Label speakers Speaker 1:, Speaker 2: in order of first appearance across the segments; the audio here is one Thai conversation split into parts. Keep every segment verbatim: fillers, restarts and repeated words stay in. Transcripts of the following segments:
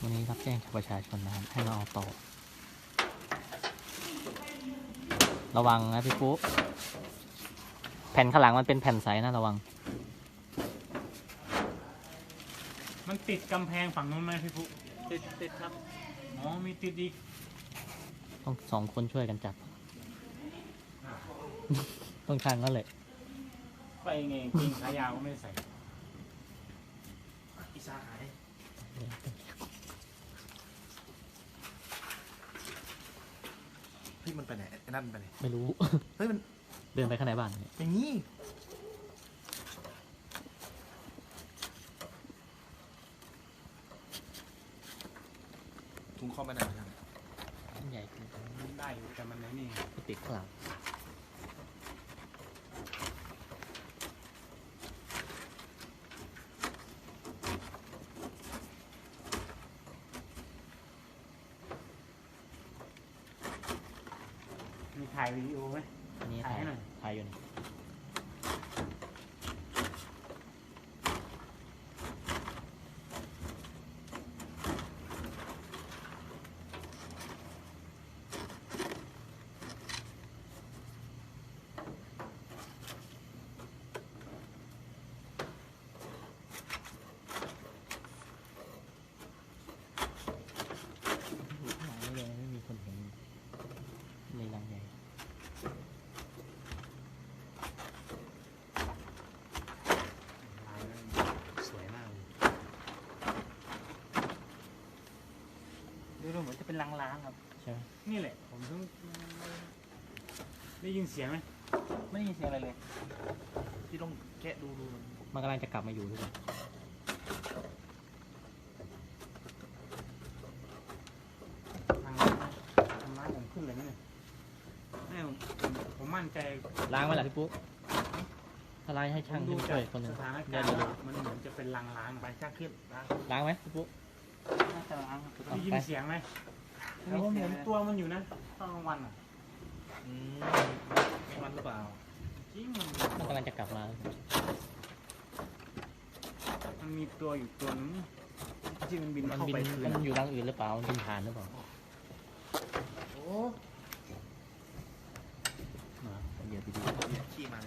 Speaker 1: วันนี้รับแจ้งจากประชาชนนะครับให้มาเอาต่อระวังนะพี่ปุ๊แผ่นข้างหลังมันเป็นแผ่นใสนะระวัง
Speaker 2: มันติดกำแพงฝั่งนู้นไหมพี่ปุ๊ติดติดครับอ๋อมีติดอีก
Speaker 1: ต้องสองคนช่วยกันจับต้องทางนั่นเลย
Speaker 2: ไปไงกินขายาวก็ไม่ใส่อีสาหาย
Speaker 3: เฮ้ยมันไปไหนไอ้นั่นไปไหน
Speaker 1: ไม่รู้
Speaker 3: เฮ้ยมัน
Speaker 1: เดินไปข้างในบ้าน
Speaker 3: อย่างนี้ถุงข้อไม่ได้ยัง
Speaker 1: ใหญ่
Speaker 2: ได้อยู่แต่มันนี่
Speaker 1: ติดข้างหลัง
Speaker 2: มีถ่ายวิดีโอไหม
Speaker 1: อันนี้ถ่ายถ่ายอยู่นี่ไม่มีคนเห็นในรังใหญ่
Speaker 2: สวยมากเลยดูเหมือนจะเป็นล้างๆครับ
Speaker 1: ใช่ไหม
Speaker 2: นี่แหละผมเพิ่งได้ยินเสียงไหมไม่ได้ยินเสียงอะไรเลย
Speaker 3: ที่ต้องแกะดูดู
Speaker 1: มันกำลังจะกลับมาอยู่ด้วยกัน
Speaker 2: ขึ้นเลยไหมเนี่ยไม่ผมผมมั่นใจ
Speaker 1: ล้างไหมล่ะพี่ปุ๊ถ้าล้างให้ช่างขึ้นช่วยคนหนึ่ง
Speaker 2: สถานการณ์มันเหมือนจะเป็นล้างๆไปช่างขึ้นล้าง
Speaker 1: ล้างไหมพี่ปุ๊
Speaker 2: น่าจะล้างได้ยินเสียงไหมแล้วผมเห็นตัวมันอยู่นะตอนกลางวันอ่ะ
Speaker 3: อืมไม่วันหรือเปล่า
Speaker 2: จริงมัน
Speaker 1: มันกำลังจะกลับมา
Speaker 2: มันมีตัวอยู่ตัวนึงที่มันบิน
Speaker 1: มัน
Speaker 2: เข้า
Speaker 1: บิน
Speaker 2: ไป
Speaker 1: มันอยู่รังอื่นหรือเปล่ามันบินผ่านหรือเปล่า
Speaker 3: โอ้
Speaker 1: เดี๋ยวดี
Speaker 3: ๆขี้มัน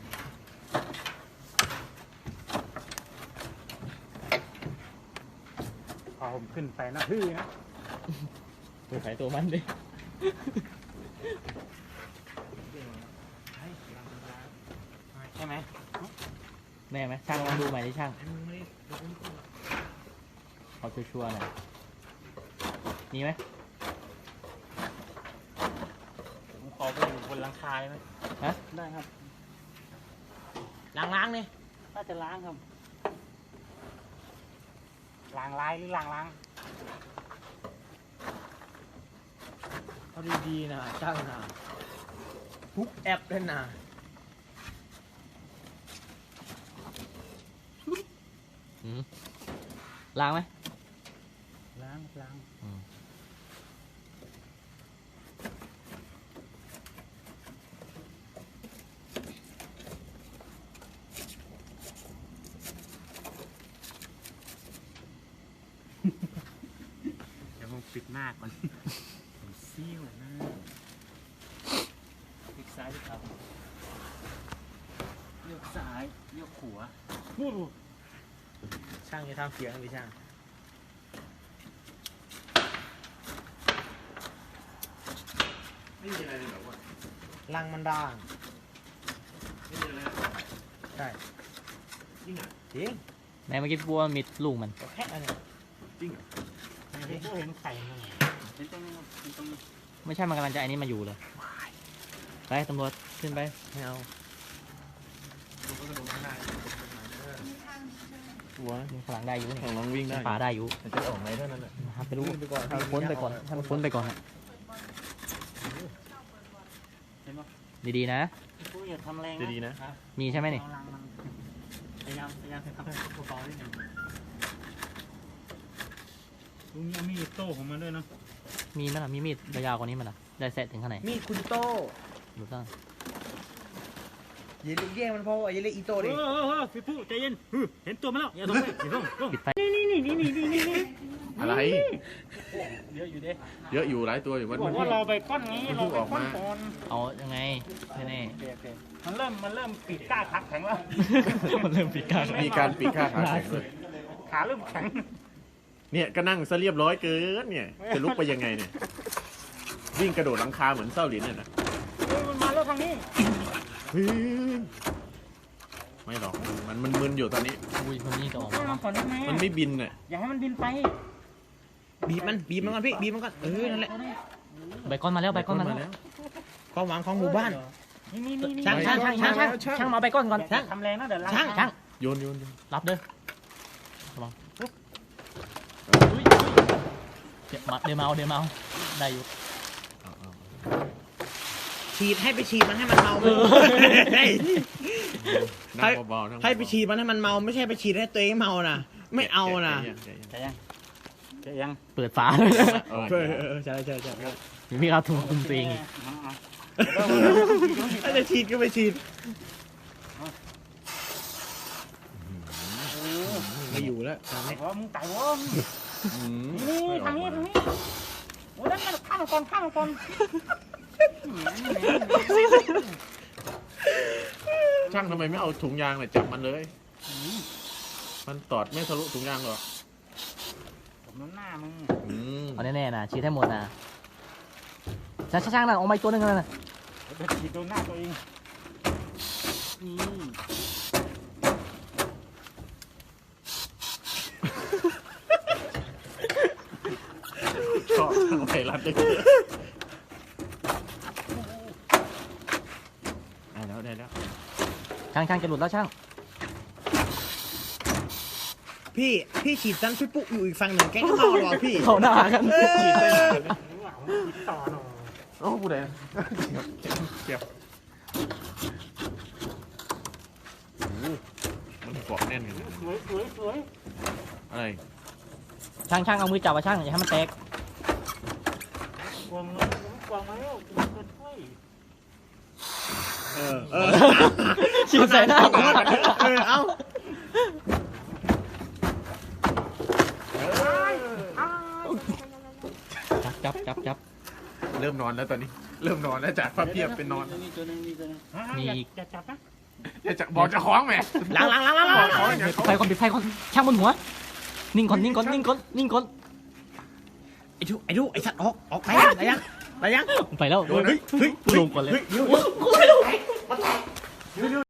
Speaker 2: พอผมขึ้นไปนะฮือนะ
Speaker 1: ตัวใครตัวมันดิ
Speaker 2: ใช่ไหม
Speaker 1: แน่ไหมช่างลองดูใหม่ดิช่างเอาชัวร์ๆหน่อยมีไหม
Speaker 2: ผมขอไปอยู่บนหลังคาได้ไหม
Speaker 1: ฮะ
Speaker 2: ได้ครับ
Speaker 1: ล้างล้างนี่
Speaker 2: น่าจะล้างครับล้างลายหรือล้างล้าง
Speaker 3: เอาดีๆนะช่างนะทุกแอปเลยนะ
Speaker 1: ล้างไหม
Speaker 2: ล้างล้างเดี๋ยวผมปิดหน้าก่อนผมซี่วหน้าพลิกซ้ายพลิกขวาเลี้ยวซ้ายเลี้ยวขวา
Speaker 3: ช่างจะทำเสียงหรือช่างไม่มีอะไรเลยแบบว่ารังมันด่างไม่มีอะไรใช่จริงอ่ะจริง
Speaker 1: ในเมื่อกี้บัวมีลูกมัน
Speaker 3: แค่อันนี้จริงเหรอ
Speaker 2: เห็นไข่มันเห็นตรงนี้เห็นตรงนี้
Speaker 1: ไม่ใช่มันกำลังจะไอ้นี้มาอยู่เลยไปตำรวจขึ้นไปไม่เอา
Speaker 3: ดูก็ดูไม่ได้
Speaker 1: หัวพลังได้อยู่นี่
Speaker 3: ลองวิ่งได้
Speaker 1: ป่าได้อยู่
Speaker 3: จะออกไหนเท่านั้นแหละ
Speaker 1: ไปรู้ทำพ้นไปก่อนทำพ้นไปก่อนดีๆนะ
Speaker 2: ผู้อย่าทำแรง
Speaker 3: ดีๆนะ
Speaker 1: มีใช่ไหมนี่
Speaker 2: พยายามพยายามทำเบาๆนิดหนึ่งตรงนี้มีดโต้ของมันด้วยเนาะ
Speaker 1: มีมั้ยล่ะมีมีดยาวกว่านี้มั้ยล่ะได้แซะถึงขนาดไหน
Speaker 3: มีดคุณโต้
Speaker 1: ดูซ่า
Speaker 3: อย่าเรียกแย่งมันพออย่าเรียกอีโต้ดิ
Speaker 2: เออเออพี่ผู้ใจเย็นเห็นตัวมันแล้วอย่าส่งไปอย่าส่งนี่นี่นี่นี่นี่นี่
Speaker 3: อะไร
Speaker 2: อยู่ดิ
Speaker 4: เยอะอยู่หลายตัวอยู่มัน
Speaker 2: บอกว่าเราไปก้อนนี้เราไปก้อนก่อน
Speaker 1: เอายังไงแน่
Speaker 2: โอเคโอเคมันเริ่มมันเริ่มปีกกล้าทักแข็งแล้ว
Speaker 1: ๆมันเริ่มปีกา
Speaker 4: มีการปีกข้าขาแข็งด้วย
Speaker 2: ขาเริ่มแข็ง
Speaker 4: เนี่ยก็นั่งซะเรียบร้อยเกินเนี่ยจะลุกไปยังไงเนี่ยวิ่งกระโดดหลังคาเหมือนเศร้าหลินเนี่ยนะ
Speaker 2: เฮ้ยมันมาแล้วทางนี้
Speaker 4: เฮ้ยไม่หรอกมันมันมึนอยู่ตอนนี้
Speaker 1: อุ้ยคนนี้ก็ออก
Speaker 2: ให้
Speaker 1: มา
Speaker 2: มันก่อนได้ไหม
Speaker 4: มันไม่บินน่ะ
Speaker 2: อย่าให้มันบินไป
Speaker 3: บีบมันบีบมันก่อนพี่บีบมันก่อนเออนั่นแหละ
Speaker 1: ใบก้อนมาแล้วใบก้อนมาแล้ว
Speaker 3: ความหวังของหมู่บ้าน
Speaker 2: นี่นี่นี่
Speaker 1: ช่างช่างช่างช่างช่างช่างมาใบก้อนก่อน
Speaker 2: ช่า
Speaker 1: ช่าง ง
Speaker 2: ทำแรงนะเดี๋ยวล้าง
Speaker 1: ช่างช่าง
Speaker 4: โยนโยนโยน
Speaker 1: รับเด้อระวังเดี๋ยวมาเดี๋ยวเมาเดี๋ยวเมาได้อยู่
Speaker 4: เอาเอา
Speaker 3: ฉีดให้ไปฉีดมันให้มันเมาให้
Speaker 4: นั่งเบาๆนั่งเบาๆ
Speaker 3: ให้ไปฉีดมันให้มันเมาไม่ใช่ไปฉีดให้ตัวเองเมานะไม่เอานะ
Speaker 4: แกะยังแกะยัง
Speaker 2: จะยังจะยัง
Speaker 1: เปิดฝาเลย
Speaker 4: เออ
Speaker 3: เออเออใช่ใช่ใช่
Speaker 1: มีเราถูกคุณตัวเองอีก
Speaker 3: ถ้าจะฉีดก็ไปฉีดไม่อยู่แล้วตอนนี้
Speaker 2: โอ้มึงไก่วะ
Speaker 4: อืม
Speaker 2: นี่นี่ทางนี้ทางนี้โอ้นั่นมันข้ามก่อนข้ามก่อน
Speaker 4: ช่างทำไมไม่เอาถุงยางเนี่ยจับมันเลย มันตอดไม่ทะลุถุงยางหรอก
Speaker 2: ผมน้ำหน้ามึง
Speaker 4: อืม
Speaker 1: เอาแน่ๆนะชี้ให้หมดนะช่างช่างๆนะออกมาอีกตัวหนึงนะ
Speaker 2: เดี๋ยวฉีดโดนหน้าตัวเองนี่
Speaker 4: ชอบช่างไทยรัฐเลยได้แล้วได้แล้ว
Speaker 1: ช่างช่างจะหลุดแล้วช่าง
Speaker 3: พี่พี่ฉีดซันพี่ปุ๊อยู่อีกฝั่งหนึ่งแกก็เมาหรอพี่
Speaker 1: เขาหน้ากัน
Speaker 4: ฉีดได้นานเลยนะ
Speaker 2: ติดต่อหน่อย
Speaker 4: โอ้ผู้ใดเกี่ยวโอ้โหมันเกาะแน่นกันนะ
Speaker 2: สวยสวยสวย
Speaker 4: อะไร
Speaker 1: ช่างช่างเอามือจับว่าช่างอย่าให้มันแตก
Speaker 2: กวางแล้วกวางแล้วจะช่วย
Speaker 3: เออเออ
Speaker 1: ฉีดใส่หน้า
Speaker 3: เออเอา
Speaker 1: จับจับจับจับ
Speaker 4: เริ่มนอนแล้วตอนนี้ เริ่มนอนแล้วจากพระเพียบเป็นนอน
Speaker 2: นี่ตัวนึงนี่ตัวนึงอย่าจับนะ
Speaker 4: จะจะบอกจะคล้องแหม
Speaker 3: ล้างล้างล้างล้าง
Speaker 4: บ
Speaker 3: ล้า
Speaker 4: อก
Speaker 3: ง
Speaker 4: คล้องอย่าง
Speaker 1: ปิดไฟก่อนปิดไฟก่อนช่างบนหัว นิ่งก่อนนิ่งก่อนนิ่งก่อนนิ่งก่อน
Speaker 3: ไอ้ทุไอ้ทุไอ้สัตว์ออกออกไปยังไปยังไปยัง
Speaker 1: ไปแล้ว
Speaker 4: โดนนะ
Speaker 1: เฮ้ยลงก่อนเลย
Speaker 4: เฮ้ยเดี๋ยว
Speaker 1: กูไม่ลง